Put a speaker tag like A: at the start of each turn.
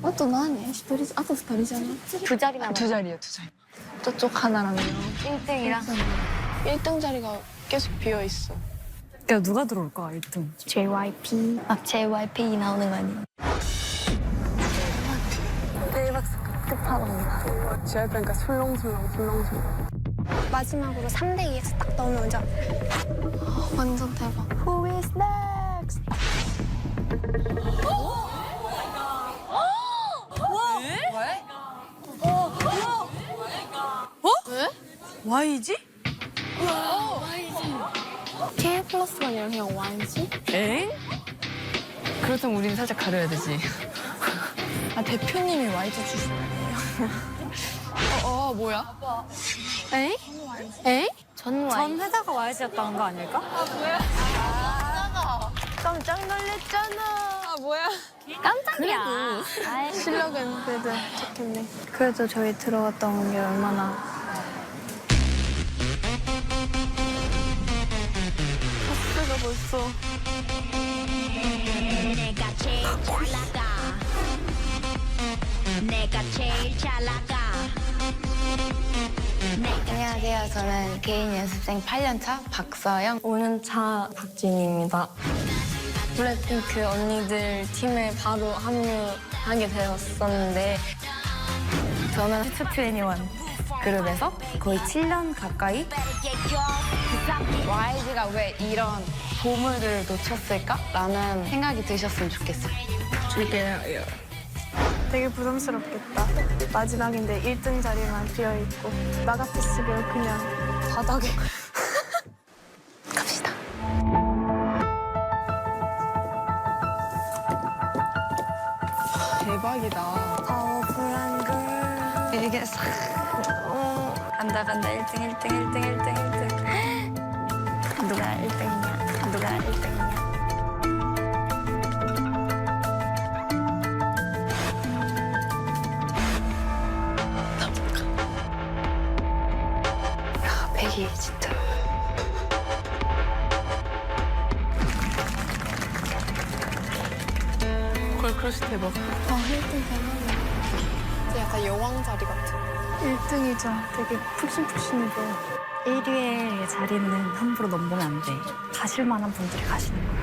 A: あと何？一人、あと二人じゃない？
B: 두 자리 남았어.
C: 두 자리야, 두 자리.
A: 저쪽 하나랑요.
B: 1등이랑
A: 1등 자리가 계속 비어 있어.
C: 그러니까 누가 들어올까, 1등?
B: JYP. 막 JYP 나오는 거 아니야? 대박 끝판왕이다.
A: 그러니까 술렁술렁.
B: 마지막으로 3대 2에서 딱 나오면 완전
A: 완전 대박.
B: Who is next?
C: Y지?
A: K 플러스가 아니라 그냥 Y지?
C: 엥? 그렇다면 우리는 살짝 가려야 되지.
A: 아, 대표님이 YG 출신이에요. 뭐야?
B: 에이?
A: 에이?
B: 전
C: 전 회사가 Y지였다는 거 아닐까?
B: 깜짝 놀랐잖아.
A: 아, 뭐야?
B: 깜짝이야. 아이,
A: 실력은 그래도 좋겠네. 그래도 저희 들어갔던 게 얼마나. 파스가 벌써.
D: 내가 제일 잘 나가. 내가 제일 잘 나가.
E: 안녕하세요. 저는 개인 연습생 8년차 박서영.
B: 5년차 박진입니다. 블랙핑크 언니들 팀에 바로 합류하게 되었었는데
C: 저는 슈트21 그룹에서 거의 7년 가까이
E: YG가 왜 이런 보물을 놓쳤을까라는 생각이 드셨으면 좋겠어요.
A: 되게 부담스럽겠다. 마지막인데 1등 자리만 비어있고 나 같았으면 그냥 바닥에.
E: 갑시다.
A: 대박이다.
B: 파워풀한 걸
C: 이게 싹
B: 간다 1등 1등 1등 1등 1등 누가 1등이냐 누가 1등이냐
E: 백이 진짜.
A: 걸크러쉬 대박. 아, 1등 대박이야. 진짜 약간 여왕 자리 같아. 1등이자 되게 푹신푹신해 보여.
C: 1위의 자리는 함부로 넘보면 안 돼. 가실 만한 분들이 가시는 거야.